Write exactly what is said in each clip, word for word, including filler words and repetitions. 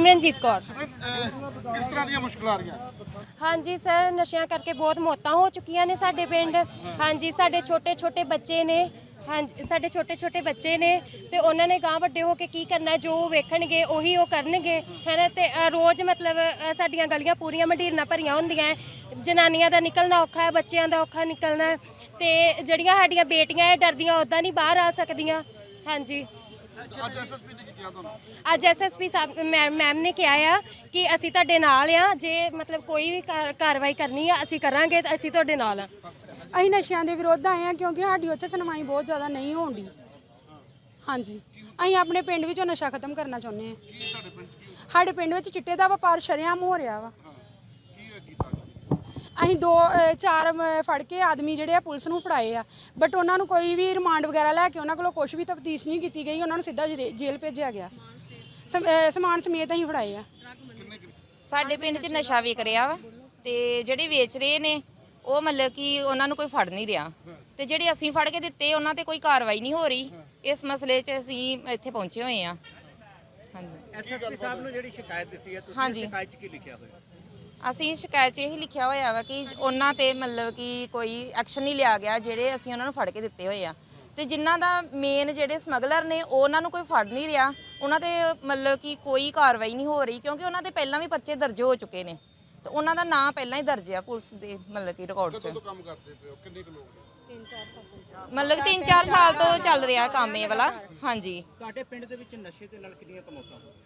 ਸਿਮਰਨਜੀਤ ਕੌਰ। ਕਿਸ ਤਰ੍ਹਾਂ ਦੀਆਂ ਮੁਸ਼ਕਲਾਂ ਆ ਰਹੀਆਂ? ਹਾਂਜੀ ਸਰ, ਨਸ਼ਿਆਂ ਕਰਕੇ ਬਹੁਤ ਮੌਤਾਂ ਹੋ ਚੁੱਕੀਆਂ ਨੇ ਸਾਡੇ ਪਿੰਡ। ਹਾਂਜੀ, ਸਾਡੇ ਛੋਟੇ ਛੋਟੇ ਬੱਚੇ ਨੇ। ਹਾਂਜੀ, ਸਾਡੇ ਛੋਟੇ ਛੋਟੇ ਬੱਚੇ ਨੇ ਤੇ ਉਹਨਾਂ ਨੇ ਗਾਂ ਵੱਡੇ ਹੋ ਕੇ ਕੀ ਕਰਨਾ, ਜੋ ਵੇਖਣਗੇ ਉਹੀ ਉਹ ਕਰਨਗੇ, ਹੈ ਨਾ। ਤੇ ਰੋਜ਼ ਮਤਲਬ ਸਾਡੀਆਂ ਗਲੀਆਂ ਪੂਰੀਆਂ ਮੰਡੀਰਾਂ ਭਰੀਆਂ ਹੁੰਦੀਆਂ, ਜਨਾਨੀਆਂ ਦਾ ਨਿਕਲਣਾ ਔਖਾ ਹੈ, ਬੱਚਿਆਂ ਦਾ ਔਖਾ ਨਿਕਲਣਾ। ਤੇ ਜਿਹੜੀਆਂ ਸਾਡੀਆਂ ਬੇਟੀਆਂ ਇਹ ਡਰਦੀਆਂ ਉੱਦਾਂ ਨਹੀਂ ਬਾਹਰ ਆ ਸਕਦੀਆਂ। ਹਾਂਜੀ, ਅੱਜ ਐਸਐਸਪੀ ਨੇ ਕੀ ਕਿਹਾ ਤੁਹਾਨੂੰ? ਅੱਜ ਐਸਐਸਪੀ ਸਾਹਿਬ ਮੈਮ ਨੇ ਕਿਹਾ ਆ ਕਿ ਅਸੀਂ ਤੁਹਾਡੇ ਨਾਲ ਆ, ਜੇ ਮਤਲਬ ਕੋਈ ਵੀ ਕਾਰਵਾਈ ਕਰਨੀ ਆ ਅਸੀਂ ਕਰਾਂਗੇ, ਤਾਂ ਅਸੀਂ ਤੁਹਾਡੇ ਨਾਲ ਆ। ਅਸੀਂ ਨਸ਼ਿਆਂ ਦੇ ਵਿਰੁੱਧ ਆਏ ਹਾਂ ਕਿਉਂਕਿ ਸਾਡੀ ਉੱਥੇ ਸੁਣਵਾਈ ਬਹੁਤ ਜ਼ਿਆਦਾ ਨਹੀਂ ਹੋਣ ਦੀ। ਹਾਂਜੀ, ਅਸੀਂ ਆਪਣੇ ਪਿੰਡ ਵਿੱਚੋਂ ਨਸ਼ਾ ਖਤਮ ਕਰਨਾ ਚਾਹੁੰਦੇ ਹਾਂ। ਸਾਡੇ ਪਿੰਡ ਵਿੱਚ ਚਿੱਟੇ ਦਾ ਵਪਾਰ ਸ਼ਰੇਆਮ ਹੋ ਰਿਹਾ ਵਾ। ਅਸੀਂ ਦੋ ਚਾਰ ਫੜ ਕੇ ਆਦਮੀ ਜਿਹੜੇ ਆ ਪੁਲਿਸ ਨੂੰ ਫੜਾਏ ਆ, ਬਟ ਉਹਨਾਂ ਨੂੰ ਕੋਈ ਵੀ ਰਿਮਾਂਡ ਵਗੈਰਾ ਲੈ ਕੇ ਉਹਨਾਂ ਕੋਲੋਂ ਕੁਝ ਵੀ ਤਫਤੀਸ਼ ਨਹੀਂ ਕੀਤੀ ਗਈ। ਉਹਨਾਂ ਨੂੰ ਸਿੱਧਾ ਜੇਲ੍ਹ ਭੇਜਿਆ ਗਿਆ। ਸਮਾਨ ਸਮੇਤ ਅਸੀਂ ਫੜਾਏ ਆ। ਸਾਡੇ ਪਿੰਡ 'ਚ ਨਸ਼ਾ ਵਿਕ ਰਿਹਾ ਵਾ ਤੇ ਜਿਹੜੇ ਵੇਚ ਰਹੇ ਨੇ ਉਹ ਮਤਲਬ ਕਿ ਉਹਨਾਂ ਨੂੰ ਕੋਈ ਫੜ ਨਹੀਂ ਰਿਹਾ, ਤੇ ਜਿਹੜੇ ਅਸੀਂ ਫੜ ਕੇ ਦਿੱਤੇ ਉਹਨਾਂ ਤੇ ਕੋਈ ਕਾਰਵਾਈ ਨਹੀਂ ਹੋ ਰਹੀ। ਇਸ ਮਸਲੇ 'ਚ ਅਸੀਂ ਇੱਥੇ ਪਹੁੰਚੇ ਹੋਏ ਆ। ਹਾਂਜੀ, ਐਸਐਸਪੀ ਸਾਹਿਬ ਨੂੰ ਜਿਹੜੀ ਸ਼ਿਕਾਇਤ ਦਿੱਤੀ ਹੈ, ਤੁਸੀਂ ਸ਼ਿਕਾਇਤ 'ਚ ਕੀ ਲਿਖਿਆ ਹੋਇਆ? ਅਸੀਂ ਸ਼ਿਕਾਇਤ 'ਚ ਇਹੀ ਲਿਖਿਆ ਹੋਇਆ ਵਾ ਕਿ ਉਹਨਾਂ ਤੇ ਮਤਲਬ ਕਿ ਕੋਈ ਐਕਸ਼ਨ ਨਹੀਂ ਲਿਆ ਗਿਆ, ਜਿਹੜੇ ਅਸੀਂ ਉਹਨਾਂ ਨੂੰ ਫੜ ਕੇ ਦਿੱਤੇ ਹੋਏ ਆ। ਤੇ ਜਿਨ੍ਹਾਂ ਦਾ ਮੇਨ ਜਿਹੜੇ ਸਮਗਲਰ ਨੇ ਉਹਨਾਂ ਨੂੰ ਕੋਈ ਫੜ ਨਹੀਂ ਰਿਹਾ, ਉਹਨਾਂ ਤੇ ਮਤਲਬ ਕਿ ਕੋਈ ਕਾਰਵਾਈ ਨਹੀਂ ਹੋ ਰਹੀ, ਕਿਉਂਕਿ ਉਹਨਾਂ ਤੇ ਪਹਿਲਾਂ ਵੀ ਪਰਚੇ ਦਰਜ ਹੋ ਚੁੱਕੇ ਨੇ ਤੇ ਉਹਨਾਂ ਦਾ ਨਾਂ ਪਹਿਲਾਂ ਹੀ ਦਰਜ ਆ ਪੁਲਿਸ ਦੇ ਮਤਲਬ ਕਿ ਰਿਕਾਰਡ 'ਚ। ਕਦੋਂ ਕੰਮ ਕਰਦੇ ਪਏ ਹੋ? ਕਿੰਨੇ ਕੁ ਲੋਕ ਨੇ? ਮਤਲਬ ਕਿ ਤਿੰਨ ਚਾਰ ਸਾਲ ਤੋਂ ਚੱਲ ਰਿਹਾ ਕੰਮ ਇਹ ਵਾਲਾ। ਹਾਂਜੀ, ਤੁਹਾਡੇ ਪਿੰਡ ਦੇ ਵਿੱਚ ਨਸ਼ੇ ਦੇ ਨਾਲ ਕਿੰਨੀਆਂ ਕਮੌਤਾਂ ਹੋਈਆਂ?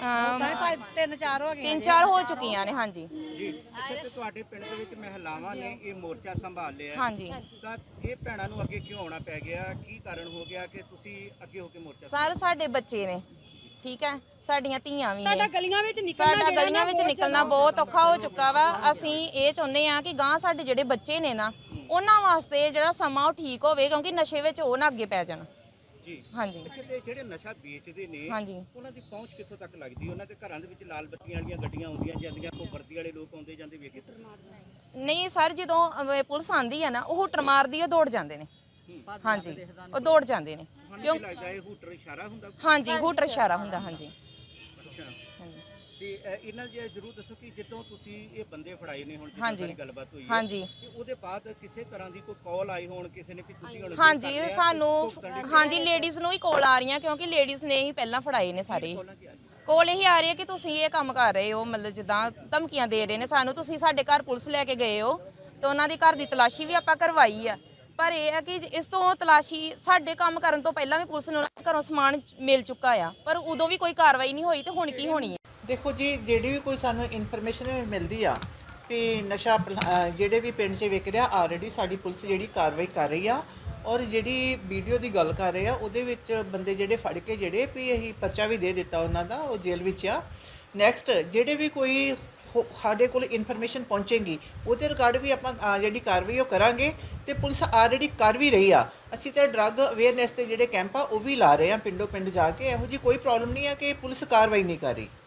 ਤਿੰਨ ਚਾਰ ਹੋ ਗਈਆਂ, ਤਿੰਨ ਚਾਰ ਹੋ ਚੁੱਕੀਆਂ ਨੇ। ਹਾਂਜੀ ਜੀ, ਅੱਛਾ, ਤੇ ਤੁਹਾਡੇ ਪਿੰਡ ਦੇ ਵਿੱਚ ਮਹਿਲਾਵਾਂ ਨੇ ਇਹ ਮੋਰਚਾ ਸੰਭਾਲ ਲਿਆ। ਹਾਂਜੀ, ਤਾਂ ਇਹ ਭੈਣਾਂ ਨੂੰ ਅੱਗੇ ਕਿਉਂ ਆਉਣਾ ਪੈ ਗਿਆ? ਕੀ ਕਾਰਨ ਹੋ ਗਿਆ ਕਿ ਤੁਸੀਂ ਅੱਗੇ ਹੋ ਕੇ ਮੋਰਚਾ? ਸਰ, ਸਾਡੇ ਬੱਚੇ ਨੇ, ਠੀਕ ਹੈ, ਸਾਡੀਆਂ ਧੀਆਂ ਵੀ ਨੇ। ਸਾਡਾ ਗਲੀਆਂ ਵਿੱਚ ਨਿਕਲਣਾ ਸਾਡਾ ਗਲੀਆਂ ਵਿੱਚ ਨਿਕਲਣਾ ਬਹੁਤ ਔਖਾ ਹੋ ਚੁੱਕਾ ਵਾ। ਅਸੀਂ ਇਹ ਚਾਹੁੰਦੇ ਆ ਕਿ ਗਾਂ ਸਾਡੇ ਜਿਹੜੇ ਬੱਚੇ ਨੇ ਨਾ, ਉਹਨਾਂ ਵਾਸਤੇ ਜਿਹੜਾ ਸਮਾਂ ਉਹ ਠੀਕ ਹੋਵੇ, ਕਿਉਂਕਿ ਨਸ਼ੇ ਵਿੱਚ ਉਹ ਨਾ ਅੱਗੇ ਪੈ ਜਾਣ। ਜੀ, ਹਾਂਜੀ। ਅੱਛਾ, ਤੇ ਜਿਹੜੇ ਨਸ਼ਾ ਵੇਚਦੇ ਨੇ ਹਾਂਜੀ, ਉਹਨਾਂ ਦੀ ਪਹੁੰਚ ਕਿੱਥੋਂ ਤੱਕ ਲੱਗਦੀ? ਉਹਨਾਂ ਦੇ ਘਰਾਂ ਦੇ ਵਿੱਚ ਲਾਲ ਬੱਤੀਆਂ ਵਾਲੀਆਂ ਗੱਡੀਆਂ ਆਉਂਦੀਆਂ ਜਾਂਦੀਆਂ, ਕੋਈ ਵਰਦੀ ਵਾਲੇ ਲੋਕ ਆਉਂਦੇ ਜਾਂਦੇ ਵੇਖੇ ਤੁਸੀਂ? ਨਹੀਂ ਸਰ, ਜਦੋਂ ਅਹ, ਪੁਲਿਸ ਆਂਦੀ ਹੈ ਨਾ, ਉਹ ਹੂਟਰ ਮਾਰਦੀ, ਉਹ ਦੌੜ ਜਾਂਦੇ ਨੇ। ਹਾਂਜੀ, ਉਹ ਦੌੜ ਜਾਂਦੇ ਨੇ। ਕਿਉਂ ਲੱਗਦਾ ਇਹ ਹੂਟਰ ਇਸ਼ਾਰਾ ਹੁੰਦਾ? ਹਾਂਜੀ, ਹੂਟਰ ਇਸ਼ਾਰਾ ਹੁੰਦਾ। ਹਾਂਜੀ, ਅੱਛਾ, ਹਾਂਜੀ, ਤੇ ਇਹਨਾਂ ਜੇ ਜ਼ਰੂਰ ਦੱਸੋ ਕਿ ਜਦੋਂ ਤੁਸੀਂ ਇਹ ਬੰਦੇ ਫੜਾਏ ਨੇ, ਹੁਣ ਹਾਂਜੀ, ਜਿੱਦਾਂ ਗੱਲਬਾਤ ਹੋਈ ਹੈ, ਹਾਂਜੀ, ਤੇ ਉਹਦੇ ਬਾਅਦ ਕਿਸੇ ਤਰ੍ਹਾਂ ਦੀ ਕੋਈ ਕਾਲ ਆਈ ਹੋਣ ਕਿਸੇ ਨੇ ਵੀ ਤੁਸੀਂ ਹੁਣ? ਹਾਂਜੀ, ਸਾਨੂੰ ਹਾਂਜੀ ਲੇਡੀਜ਼ ਨੂੰ ਹੀ ਕਾਲ ਆ ਰਹੀਆਂ, ਕਿਉਂਕਿ ਲੇਡੀਜ਼ ਨੇ ਹੀ ਪਹਿਲਾਂ ਫੜਾਏ ਨੇ ਸਾਰੇ। ਕੋਲ ਇਹੀ ਆ ਰਹੀ ਹੈ ਕਿ ਤੁਸੀਂ ਇਹ ਕੰਮ ਕਰ ਰਹੇ ਹੋ, ਮਤਲਬ ਜਿੱਦਾਂ ਧਮਕੀਆਂ ਦੇ ਰਹੇ ਨੇ ਸਾਨੂੰ, ਤੁਸੀਂ ਸਾਡੇ ਘਰ ਪੁਲਿਸ ਲੈ ਕੇ ਗਏ ਹੋ। ਤੇ ਉਹਨਾਂ ਦੀ ਘਰ ਦੀ ਤਲਾਸ਼ੀ ਵੀ ਆਪਾਂ ਕਰਵਾਈ ਆ, ਪਰ ਇਹ ਹੈ ਕਿ ਇਸ ਤੋਂ ਤਲਾਸ਼ੀ ਸਾਡੇ ਕੰਮ ਕਰਨ ਤੋਂ ਪਹਿਲਾਂ ਵੀ ਪੁਲਿਸ ਨੂੰ ਘਰੋਂ ਸਮਾਨ ਮਿਲ ਚੁੱਕਾ ਆ, ਪਰ ਉਦੋਂ ਵੀ ਕੋਈ ਕਾਰਵਾਈ ਨਹੀਂ ਹੋਈ, ਤੇ ਹੁਣ ਕੀ ਹੋਣੀ ਹੈ? ਦੇਖੋ ਜੀ, ਜਿਹੜੀ ਵੀ ਕੋਈ ਸਾਨੂੰ ਇਨਫੋਰਮੇਸ਼ਨ ਮਿਲਦੀ ਆ ਕਿ ਨਸ਼ਾ ਜਿਹੜੇ ਵੀ ਪਿੰਡ 'ਚ ਵਿਕ ਰਿਹਾ, ਆਲਰੇਡੀ ਸਾਡੀ ਪੁਲਿਸ ਜਿਹੜੀ ਕਾਰਵਾਈ ਕਰ ਰਹੀ ਆ। ਔਰ ਜਿਹੜੀ ਵੀਡੀਓ ਦੀ ਗੱਲ ਕਰ ਰਹੇ ਆ, ਉਹਦੇ ਵਿੱਚ ਬੰਦੇ ਜਿਹੜੇ ਫੜ ਕੇ ਜਿਹੜੇ ਵੀ ਅਸੀਂ ਪਰਚਾ ਵੀ ਦੇ ਦਿੱਤਾ ਉਹਨਾਂ ਦਾ, ਉਹ ਜੇਲ੍ਹ ਵਿੱਚ ਆ। ਨੈਕਸਟ ਜਿਹੜੇ ਵੀ ਕੋਈ ਸਾਡੇ ਕੋਲ ਇਨਫੋਰਮੇਸ਼ਨ ਪਹੁੰਚੇਗੀ ਉਹਦੇ ਰਿਗਾਰਡ ਵੀ ਆਪਾਂ ਜਿਹੜੀ ਕਾਰਵਾਈ ਉਹ ਕਰਾਂਗੇ, ਤੇ ਪੁਲਿਸ ਆਲਰੇਡੀ ਕਰ ਵੀ ਰਹੀ ਆ। ਅਸੀਂ ਤਾਂ ਡਰੱਗ ਅਵੇਅਰਨੈਸ ਦੇ ਜਿਹੜੇ ਕੈਂਪ ਆ ਉਹ ਵੀ ਲਾ ਰਹੇ ਆ ਪਿੰਡੋਂ ਪਿੰਡ ਜਾ ਕੇ। ਇਹੋ ਜਿਹੀ ਕੋਈ ਪ੍ਰੋਬਲਮ ਨਹੀਂ ਆ ਕਿ ਪੁਲਿਸ ਕਾਰਵਾਈ ਨਹੀਂ ਕਰ ਰਹੀ।